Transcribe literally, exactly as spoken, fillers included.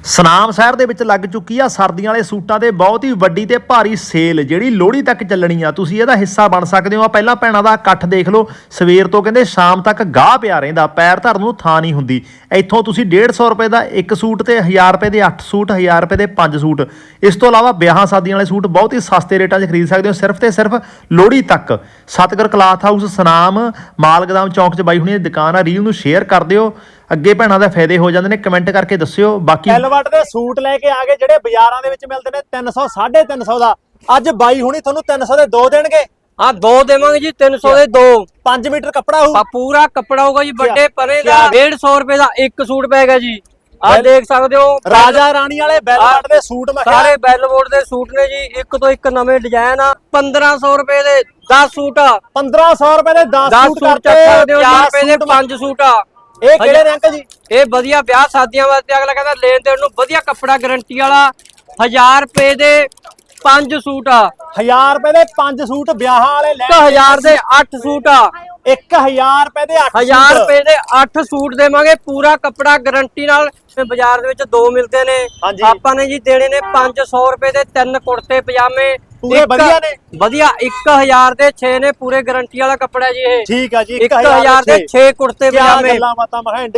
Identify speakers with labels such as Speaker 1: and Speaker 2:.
Speaker 1: ਸਨਾਮ ਸ਼ਹਿਰ ਦੇ ਵਿੱਚ ਲੱਗ ਚੁੱਕੀ ਆ ਸਰਦੀਆਂ ਵਾਲੇ ਸੂਟਾਂ ਤੇ ਬਹੁਤ ਹੀ ਵੱਡੀ ਤੇ ਭਾਰੀ ਸੇਲ ਜਿਹੜੀ ਲੋਹੜੀ ਤੱਕ ਚੱਲਣੀ ਆ। ਤੁਸੀਂ ਇਹਦਾ ਹਿੱਸਾ ਬਣ ਸਕਦੇ ਹੋ। ਆ ਪਹਿਲਾਂ ਭੈਣਾਂ ਦਾ ਇਕੱਠ ਦੇਖ ਲਓ, ਸਵੇਰ ਤੋਂ ਕਹਿੰਦੇ ਸ਼ਾਮ ਤੱਕ ਗਾਹ ਪਿਆ ਰਹਿੰਦਾ, ਪੈਰ ਧਰਨ ਨੂੰ ਥਾਂ ਨਹੀਂ ਹੁੰਦੀ। ਇੱਥੋਂ ਤੁਸੀਂ ਡੇਢ ਸੌ ਰੁਪਏ ਦਾ ਇੱਕ ਸੂਟ ਤੇ ਹਜ਼ਾਰ ਰੁਪਏ ਦੇ ਅੱਠ ਸੂਟ, ਹਜ਼ਾਰ ਰੁਪਏ ਦੇ ਪੰਜ ਸੂਟ, ਇਸ ਤੋਂ ਇਲਾਵਾ ਵਿਆਹਾਂ ਸ਼ਾਦੀਆਂ ਵਾਲੇ ਸੂਟ ਬਹੁਤ ਹੀ ਸਸਤੇ ਰੇਟਾਂ 'ਚ ਖਰੀਦ ਸਕਦੇ ਹੋ, ਸਿਰਫ ਤੇ ਸਿਰਫ ਲੋਹੜੀ ਤੱਕ। ਸਤਗੁਰ ਕਲਾਥ ਹਾਊਸ ਸਨਾਮ ਮਾਲ ਗੋਦਾਮ ਚੌਂਕ 'ਚ ਬਾਈ ਹੁਣੀ ਦੀ ਦੁਕਾਨ ਆ। ਰੀਲ ਨੂੰ ਸ਼ੇਅਰ ਕਰ ਦਿਓ, ਅੱਗੇ ਭੈਣਾਂ ਦਾ ਫਾਇਦੇ ਹੋ ਜਾਂਦੇ ਨੇ। ਕਮੈਂਟ ਕਰਕੇ ਦੱਸਿਓ। ਬਾਕੀ
Speaker 2: ਐਲਵਟ ਦੇ ਸੂਟ ਲੈ ਕੇ ਆ ਗਏ ਜਿਹੜੇ ਬਾਜ਼ਾਰਾਂ ਦੇ ਵਿੱਚ ਮਿਲਦੇ ਨੇ ਤਿੰਨ ਸੌ ਸਾਢੇ ਤਿੰਨ ਸੌ ਦਾ, ਅੱਜ ਬਾਈ ਹੁਣੀ ਤੁਹਾਨੂੰ ਤਿੰਨ ਸੌ ਦੇ ਦੋ ਦੇਣਗੇ।
Speaker 3: हाँ दो देवांगे जी, तीन सौ दे दो।
Speaker 2: पांच मीटर कपड़ा हो,
Speaker 3: पूरा कपड़ा होगा जी, बड़े परे का डेढ़ सौ रुपए का एक सूट पैगा जी। आप देख सकते हो
Speaker 2: राजा रानी वाले बेलवट दे सूट में
Speaker 3: सारे बेलवट दे सूट ने जी। एक तो एक नवे डिजाइन आ, पंद्रह सौ रुपए दे दस सूट आ,
Speaker 2: पंद्रह सौ रुपए दे दस
Speaker 3: दस
Speaker 2: सूट
Speaker 3: सूट
Speaker 2: करते
Speaker 3: चार रुपए दे पांच सूट आ।
Speaker 2: ਇਹ ਕਿਹੜੇ ਨੇ ਅੰਕਲ ਜੀ?
Speaker 3: ਇਹ ਵਧੀਆ ਵਿਆਹ ਸ਼ਾਦੀਆਂ ਵਾਸਤੇ ਅਗਲਾ ਕਹਿੰਦਾ ਲੈਣ ਦੇਣ ਨੂੰ ਵਧੀਆ ਕੱਪੜਾ ਗਾਰੰਟੀ ਵਾਲਾ। ਹਜ਼ਾਰ ਰੁਪਏ ਦੇ ਪੰਜ ਸੂਟ ਆ,
Speaker 2: ਹਜ਼ਾਰ ਰੁਪਏ ਦੇ ਪੰਜ ਸੂਟ ਵਿਆਹਾਂ ਵਾਲੇ ਲੈ,
Speaker 3: ਇੱਕ ਹਜ਼ਾਰ ਦੇ ਅੱਠ ਸੂਟ ਆ,
Speaker 2: ਇੱਕ ਹਜ਼ਾਰ ਰੁਪਏ ਦੇ ਅੱਠ
Speaker 3: ਹਜ਼ਾਰ ਰੁਪਏ ਦੇ ਅੱਠ ਸੂਟ ਦੇਵਾਂਗੇ। ਪੂਰਾ ਕੱਪੜਾ ਗਾਰੰਟੀ ਨਾਲ। ਬਾਜ਼ਾਰ ਦੇ ਵਿੱਚ ਦੋ ਮਿਲਦੇ ਨੇ, ਆਪਾਂ ਨੇ ਜੀ ਦੇਣੇ ਨੇ ਪੰਜ ਸੌ ਰੁਪਏ ਦੇ ਤਿੰਨ ਕੁੜਤੇ ਪਜਾਮੇ
Speaker 2: ਪੂਰੇ ਵਧੀਆ ਨੇ,
Speaker 3: ਵਧੀਆ। ਇੱਕ ਹਜ਼ਾਰ ਦੇ ਛੇ ਨੇ, ਪੂਰੇ ਗਾਰੰਟੀ ਵਾਲਾ ਕੱਪੜਾ ਜੀ ਇਹ।
Speaker 2: ਠੀਕ ਆ ਜੀ।
Speaker 3: ਇੱਕ ਹਜ਼ਾਰ ਦੇ ਛੇ ਕੁੜਤੇ ਪਜਾਮੇ।
Speaker 2: ਗੱਲਾਂ ਬਾਤਾਂ ਮੈਂ